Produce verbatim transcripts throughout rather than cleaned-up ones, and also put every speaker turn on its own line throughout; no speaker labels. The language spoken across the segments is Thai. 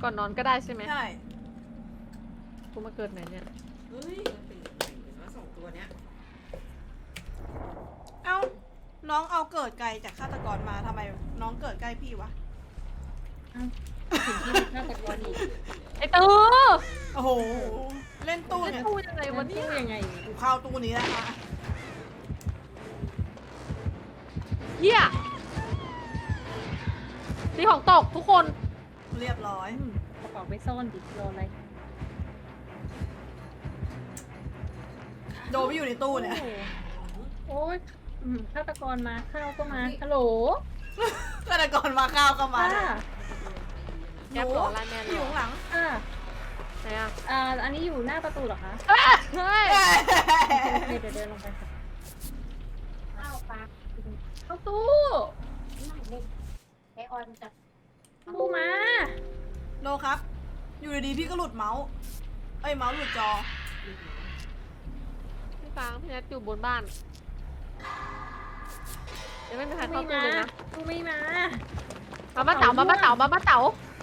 ก่อนนอนก็ได้ใช่ไหม
ใช่
กูมาเกิดไหนเนี่ย
เฮ้ยมันเป็นยังไงวะสองตัวเนี้ย
เอ้าน้องเอาเกิดไกลจากฆาตกรมาทำไมน้องเกิดใกล้พี่วะ
ถึงที่ฆาตกรอีก
ไอ้ตู้
โอ้โหเล่นตู้
ไอ้
เนี่ย
ตู้ยังไงวะเนี่ย
ยังไง
กูเข้าตู้นี้แล้วอะ
เฮียตีของตกทุกคน
เรียบร้อย
กระเป๋าไปซ่อนดิรออะไร
โดนไปอยู่ในตู้เนี่ย
โอ้ยอืมฆาตกรมาข้าวก็มาฮัลโหล
ฆาตกรมาข้าวก็มา
ค่ะ
แอปเหรอไลน์แมนเหรอ
อยู่ข้างหลัง
ค่ะ
ไหนอ่ะ
อ่าอันนี้อยู่หน้าประตูเหรอคะ
เฮ้ยเฮ้ย
โอเคเดี๋ยวเดินลงไปค่ะข้าวปลาเข้าตู้ไอออนจับตู้มา
โนครับ อยู่ดีๆพี่ก็หลุดเมาส์เอ้ยเมาส์หลุดจอ
พี่ฟางพี่แนทอยู่บนบ้านยังไม่มีใคร
ตู้
เข้า
ไม่
ตู้
มา
เลยนะ
ตู้ไม่มา
มาบ้าเต๋ามาบ้าเต๋ามาบ้าเต๋า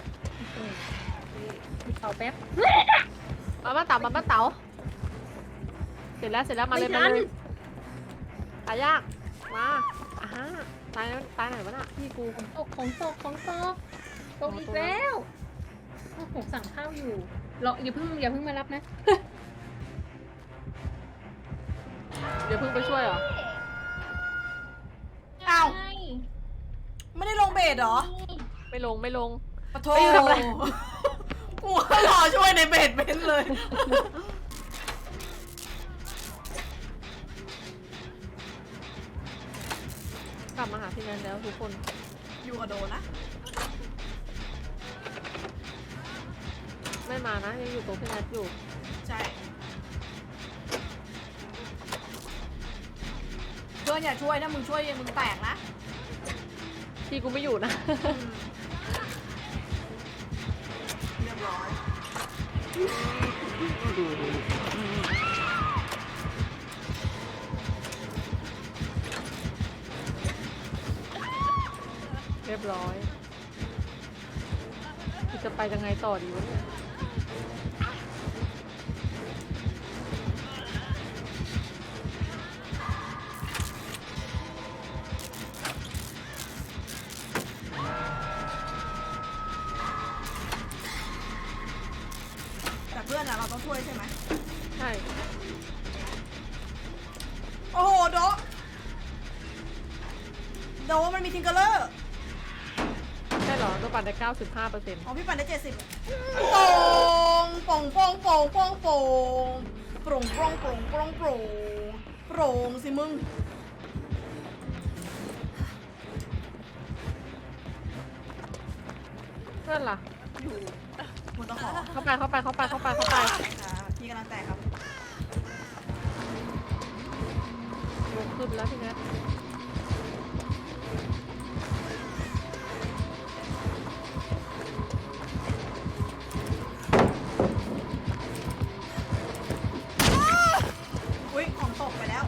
มีเป่าแป๊บ
มาบ้าเต๋ามาบ้าเต๋าเสร็จแล้วเสร็จแล้วมาเลย
ไม่
มา
ทัน
เลยตายยากมาอ่าฮะตายตายไหนวะน่ะพี่กู
ของตกของตกของตกตกอีกแล้วโอ้โหสั่งข้าวอยู่รออย่าเพิ่งอย่าเพิ่งมารับนะ
เดี๋ยวเพิ่งไปช่วยเหรอ
อ้าว
ใช่
ไม่ได้ลงเบสเหรอ
ไม่ลงไม่ลง
ปะโท
ไปอยู่ทำอะไร
กูก็รอช่วยในเบสเบนเลย
กลับมาหาพี่แนนแล้วทุกคน
อยู่กับโดนะ
ไม่มานะยังอยู่ตรงพี่แนทอยู่
ใช่ เพื่อนอย่าช่วยถ้ามึงช่วยมึงแตกนะ
พี่กูไม่อยู่นะ
อืมเรียบร้อย
เรียบร้อยจะไปยังไงต่อดีวะเนี่ย
แต่เพื่อนอะเราต้องช่วยใช่ไหม
ใช่
โอ้โหโดะโดะมันมีทิงเกอร์เลอร์
ใช่เหรอตัวปั่นได้เก้าสิบห้าเปอร์เซ็นต์
อ๋อพี่ปั่นได้เจ็ดสิบโป่งโป่งโป่งโป่งโป่งโป่งโปร่งโปร่งโปร่งโปร่งโปร่งโปร่งสิมึง
เพื่อนล่ะ
อยู่บนตะขอ
เข้าไปเข้าไปเข้าไปเข้าไปเข้าไป
อ่าพี่กำลังแตกครับ
ลงขึ้นแล้วพี่แนท
อุ้ยของตกไปแล้ว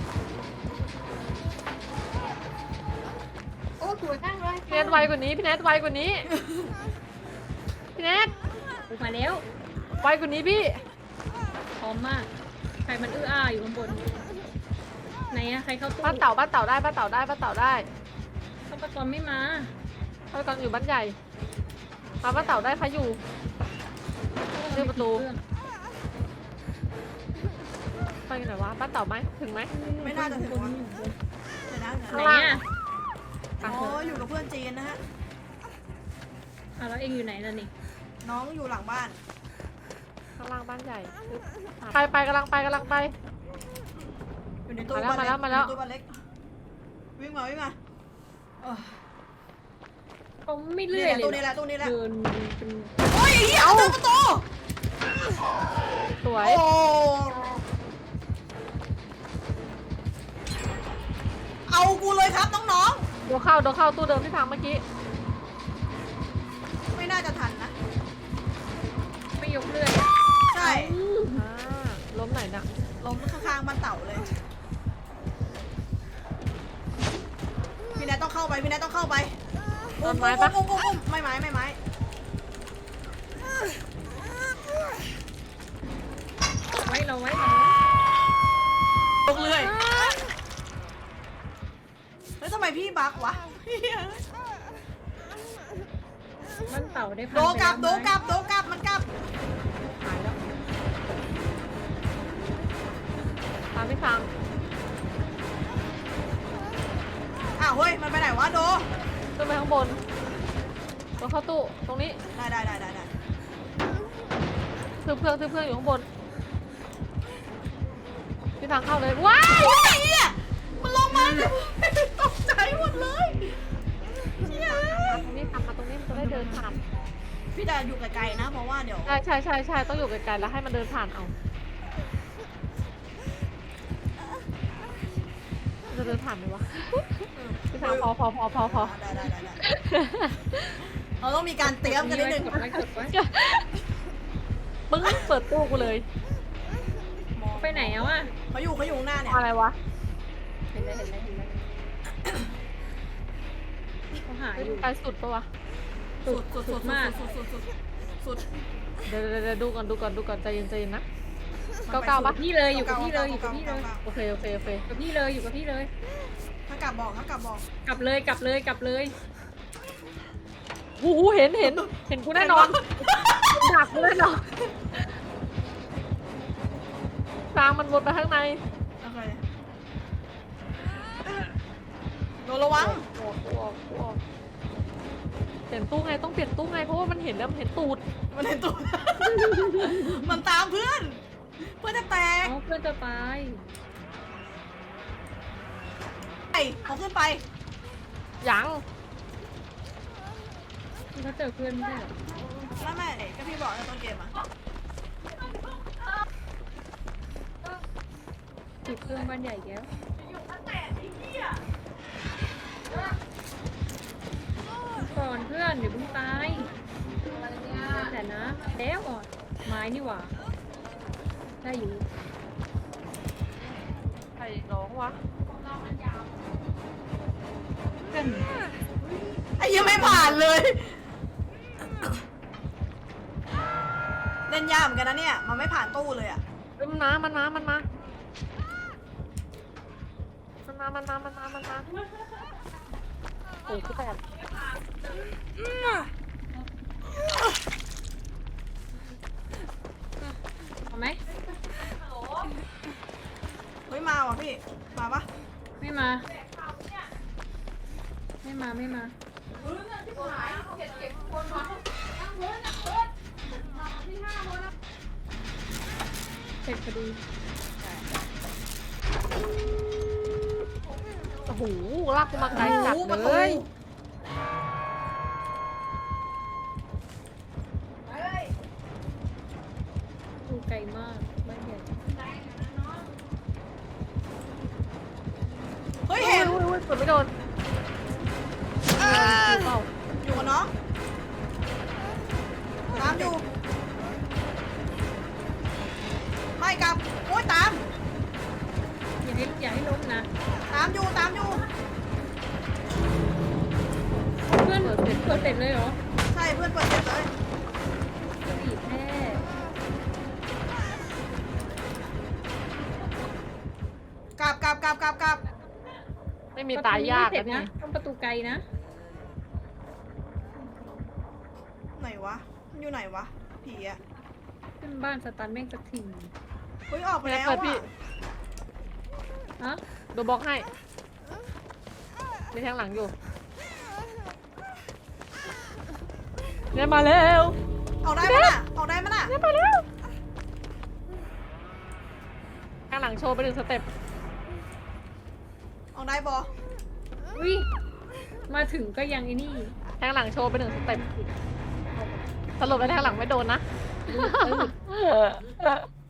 โอ้สวยมากเลย
พี่แนทไวกว่านี้พี่แนทไวกว่านี้พี่แนท
ออกมาแล้ว
ไวกว่านี้พี่
พร้อมมากใครมันอื้ออ้าอยู่ข้างบนไหนอะใครเข้าตู้
บ้านเต่าบ้านเต่าได้บ้านเต่าได้บ้านเต่าได้
ฆาตกรไม่มา
เขากำลังอยู่บ้านใหญ่มาบ้านเต่าได้ใครอยู่ เรื่องประตู ไปกันไหนวะบ้านเต่าไหมถึงไหม
ไม่น่าจะถึงวะ
อยู่บน
เดี๋ยวนะ
ไหน
เดี๋ยวนะ
อะ
อ๋ออยู่กับเพื่อนจีนนะฮะ
อ่ะแล้วเองอยู่ไหนล่ะนี่
น้องอยู่หลังบ้าน
ข้างล่างบ้านใหญ่ปึ๊บไปไปกำลังไปกำลังไป
อยู่ในตู้
มาแล้ว
บ้านเล็ก
มาแล้ว
อยู่ในตู้บ้านเล็ก วิ่งมาวิ่งมาเออ
เขาไม่
นี่
เลื่อ
แห
ย
ละ
เลย
ตู้นี้แหละตู้นี้แหละ
เดินเป็น
โอ้ยไอ้เหี้ยเอาตู้ประตู
สวย
โอ้เอากูเลยครับน้อง
โดนเข้าโดนเข้าตู้เดิมที่พังเมื่อกี้
ๆ ไม่น่าจะทันนะ
ไม่ยกเลื่อยอะ
ใช่
อ่าล้มไหนนะ
ล้มข้างๆบ้านเต่าเลย พี่แนทต้องเข้าไป พี่แนทต้องเข้าไป
ต้นไม้ปะ
อุ้มอุ้มอุ้มอุ้มไม่ไม้ไม่ไม้บักวะ
มันเต่าได้พัน
โดกลับ
ไป
โด
แล้วไหม
กลับโดกลับมันกลับ
หายแล้วตามพี่ฟัง
อ้าวเฮ้ยมันไปไหนวะโด
ขึ้นไปข้างบนตัวเข้าตู้ตรงนี้
ได้ได้ได้ได้ได้
ซื้อเพื่อนซื้อเพื่อนอยู่ข้างบนพี่ทางเข้าเลยว้าย
โอ้ยเหี้ยมันลงมาตกใจหมดเลยเชี่ย
มาตรงนี้ทำมาตรงนี้มันจะได้เดินผ่าน
พี่จะอยู่ไกลๆนะเพราะว่าเดี๋ยว
ใช่ใช่ใช่ใช่ต้องอยู่ไกลๆแล้วให้มันเดินผ่านเอามันจะเดินผ่านไหมวะพี่ทางพอพอพอพอพอ
ได้ได้ได้ได้เราต้องมีการเตรียมกันนิดนึง
กดไว้กดไว้
มึงเปิดตู้กูเลย
ไปไหนอะวะ
เขาอยู่เขาอยู่ข้างหน้าเนี่ย
อะไรวะ
เห็นเลยเห็นเลยเห็นเลยเขาหาอยู่
ไปสุดปะวะ
สุดสุดสุดมากสุดสุดสุดสุด
เดี๋ยวเดี๋ยวเดี๋ยวดูก่อนดูก่อนดูก่อนใจเย็นใจเย็นนะเก้าเก้าปะ
พี่เลยอยู่กับพี่เลยอยู่กับพี่เลย
โอเคโอเคโอเค
กับพี่เลยอยู่กับพี่เลย
ถ้ากลับบอกถ้ากลับบอก
กลับเลยกลับเลยกลับเลย
หูหูเห็นเห็นเห็นกูแน่นอนดักกูแน่นอนทางมันวนไปข้างใน
โอเคโดนระวัง
ออกออกออกเปลี่ยนตู้ไงต้องเปลี่ยนตู้ไงเพราะว่ามันเห็นแล้วมันเห็นตูด
มันเห็นตัว มันตามเพื่อน เพื่อนจะแตก
เอาเพื่อนจะตาย
ไปเขาขึ้นไป
ยัง
เขาเจอเพื่อนไม่ใช่เหรอ
ไม่ไม่ก็พี่บอกในต้นเกมอ่ะ
ติดเครื่องบ้านใหญ่แก้วก่อนเพื่อนเดี๋ยวมึงตายแต่นะแล้วอ่อนไม้นี่หว่าได้อยู่
ใครร้องวะ
เพื่อน
ไอ้ยังไม่ผ่านเลยเล่นยากเหมือนกันนะเนี่ย มันไม่ผ่านตู้เลยอ่ะ
เอ้ยมันมามันมามันมามันมามันมามันมามันมาโอ้ยคือแปด
เอาไหม
เฮ้ยมาว่ะพี่ มาปะ
ไม่มา ไม่มาไม่มาเสร็จพอดี
โอ้โหลากกูมาไกลจัด
โอ้โหประ
เล
ตู
ย
ดูไกลมากบ้านใหญ่
เฮ้ย
เฮ้ย
เห็น
เฮ้ยเฮ้ยกดไม่โดน
เออ
เปล่า
อยู่กับน้องตามอยู่ ไม่กลับ โอ้ยตาม
อย่าให้อย่าให้ล้มนะ
ตามอยู่ตามอยู่
เพื่อนเปิดเสร็จเปิดเสร็จเลยเหรอ
ใช่เพื่อนเปิดเสร็จเลย
สีแท้
กลับกลับกลับกลับกลับ
ไม่มีตายยาก
เสร็
นะ
จ
นี่
นะต้องประตูไกลนะ
ไหนวะ มันอยู่ไหนวะ ผีอะ
ขึ้นบ้านสตันแม่งสักที
เฮ้ยออกไปแล้ว
เปิดพี่
อะ
ฮะ
โดนบล็อกให้ในทางหลังอยู่เนี่ยมาแล้ว
ออกได้มั้ยน่ะออกได้มั้ยน่ะ
เนี่ยมาแล้วทางหลังโชว์ไปหนึ่งสเต็ป
ออกได้บอ
อุ้ยมาถึงก็ยังไอ้นี่
ทางหลังโชว์ไปหนึ่งสเต็ปสรุปแล้วทางหลังไม่โดนนะ
เออ